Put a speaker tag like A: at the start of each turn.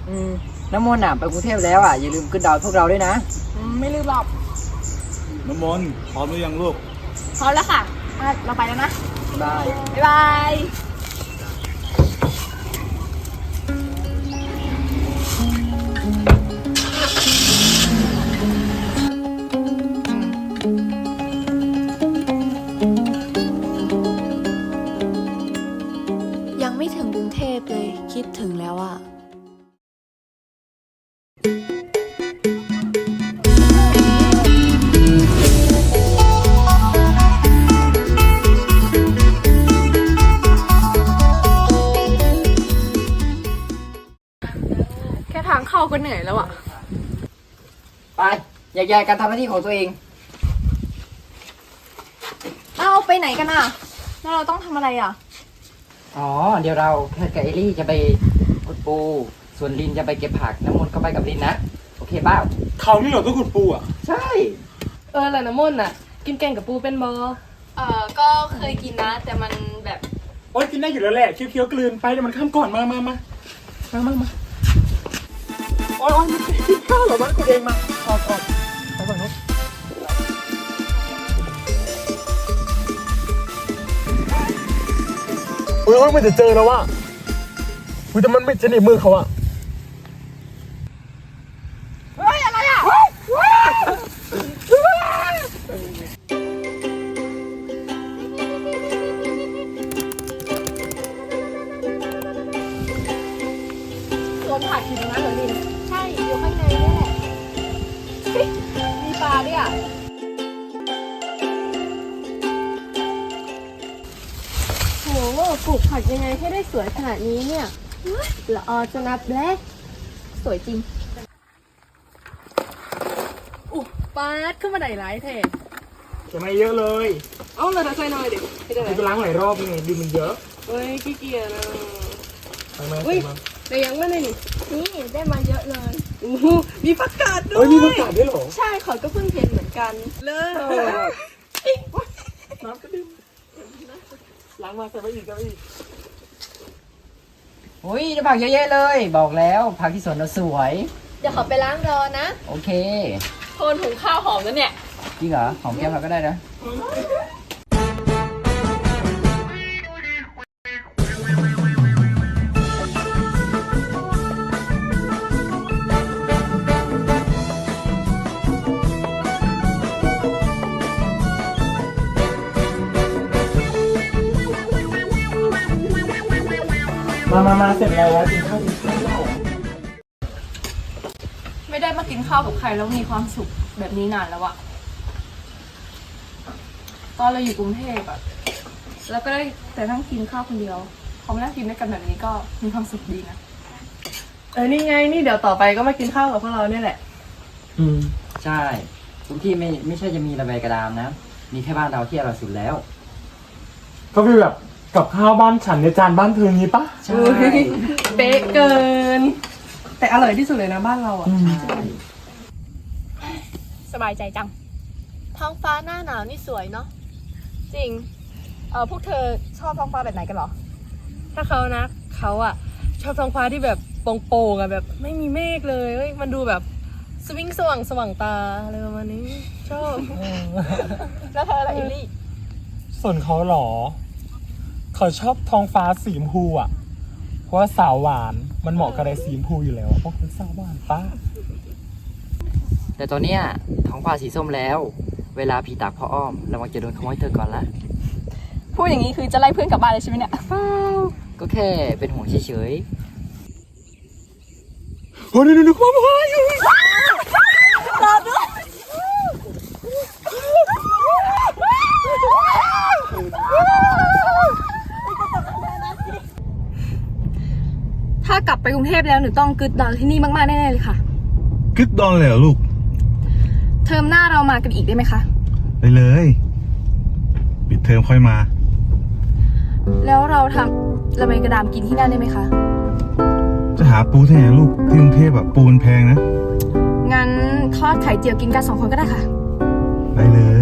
A: น้ำมนต์ไปกรุงเทพแล้วอย่าลืมขึ้นดอยพวกเราด้วยนะ
B: ไม่ลืมหรอก
C: น้ำมนต์พร้อมหรือยังลูก
B: พร้อมแล้วค่ะเราไปแล้วนะ
A: บาย
B: บ๊ายบาย
D: ยังไม่ถึงกรุงเทพเลยคิดถึงแล้วอ่ะ
B: แค่ทางเข้าก็เหนื่อยแล้วอ่ะ
A: ไปแยกย้ายกันทำหน้าที่ของตัวเอง
B: เอาไปไหนกันอ่ะแล้วเราต้องทำอะไรอ่ะ
A: เดี๋ยวเราแพทกับเอลี่จะไปขุดปูส่วนลินจะไปเก็บผักน้ำมนต์ก็ไปกับลินนะโอเคเปล่า
C: เขานี่เหรอต้องขุดปูอ่ะ
A: ใช่
B: แล้วน้ำมนต์อ่ะกินแกงกับปูเป็นบอก็เคยกินนะแต่มันแบบ
C: โอ๊ยกินได้อยู่แล้วแหละเคี้ยวๆกลืนไปเดี๋ยวมันข้ามก่อนมาโอ๊ยมันกินข้าวเหรอมันกูเองมาออกไปก่อนนะโอ๊ยมันจะเจอแล้วว่ะแต่มันไม่จะหนีมือเขาอ่ะ
B: เฮ้ยอะไรอ่ะตัวผักอยู่ตรงนั้นเหรอลินใช่อยู่ข้างในนี่แหละมีปลาด้วยอ่ะโหปลูกผักยังไงให้ได้สวยขนาดนี้เนี่ยละออจะนับแล้สวยจริงปาดขึ้นมาไหนร้ายแท้
C: จะไม่เยอะเลย
B: เอาเลยใส่หน่อยดิ
C: ไปล้างหลายรอบไงดินมันเยอะ
B: เฮ้ยขี้เกียจนะ
C: ไปไหม
B: แต่ยังไม่ได้นี่ได้มาเยอะเลยมีผักกาดด้วย
C: มีผักกาดด้วยเหรอ
B: ใช่ขอก็เพิ่งเห็นเหมือนกันเลย
C: น้ำกระดิ่งล้างมาใส่ไปอีก
A: ได้ผักเยอะแยะเลยบอกแล้วผักที่สวนเราสวย
B: เดี๋ยวขอไปล้างรอนะ
A: โอเค
B: โทนถุงข้าวหอมแล้วเนี่ย
A: จริงเหรอหอมแก้มเราก็ได้นะ
C: มาเสร็จแล้วกินข้าว
B: ไม่ได้มากินข้าวกับใครแล้วมีความสุขแบบนี้นานแล้วอะตอนเราอยู่กรุงเทพอะแล้วก็ได้แต่นั่งกินข้าวคนเดียวพอมานั่งกินด้วยกันแบบนี้ก็มีความสุขดีนะนี่ไงนี่เดี๋ยวต่อไปก็มากินข้าวกับพวกเราเนี่ยแหละ
A: ใช่ทุกที่ไม่ใช่จะมีระเบียงกระดามนะมีแค่บ้านเราที่อร่อยสุดแล้ว
C: ก็คือแบบกับข้าวบ้านฉันในจานบ้านเธองี้ปะ
A: ใช่
B: เป๊ะเกินแต่อร่อยที่สุดเลยนะบ้านเราอ่ะสบายใจจังท้องฟ้าหน้าหนาวนี่สวยเนาะจริงพวกเธอชอบท้องฟ้าแบบไหนกันหรอถ้าเขานะเขาอ่ะชอบท้องฟ้าที่แบบโปร่งๆอ่ะแบบไม่มีเมฆเลยมันดูแบบสวิงสว่างตาอะไรประมาณนี้ชอบแล้วเธออะไรอิลลี่
C: ส่วนเขาหรอเขาชอบท้องฟ้าสีชมพูอ่ะเพราะว่าสาวหวานมันเหมาะกับอะไรสีชมพูอยู่แล้วเพราะเป็นสาวหวานป้า
A: แต่ตอนเนี้ยท้องฟ้าสีส้มแล้วเวลาผีตากพ่ออ้อมระวังจะโดนขโมยเธอก่อนละ
B: พูดอย่างนี้คือจะไล่เพื่อนกลับบ้านเลยใช่ไหมเนี่ย
A: ก็แค่เป็นห่วงเฉย
C: ๆโอ้ยดูความหายอยู่
B: รอด้วยถ้ากลับไปกรุงเทพแล้วหนูต้องกึดดอนที่นี่มากๆแน่ๆเลยค่ะ
C: กึดดอนเลยเหรอลูก
B: เทอมหน้าเรามากันอีกได้ไหมคะ
C: ไปเลยปิดเทอมค่อยมา
B: แล้วเราทำระเบิดกระดามกินที่นั่นได้ไหมคะ
C: จะหาปูที่ไหนลูกที่กรุงเทพแบบปูมันแพงนะ
B: งั้นทอดไข่เจียวกินกัน2 คนก็ได้ค่ะ
C: ไปเลย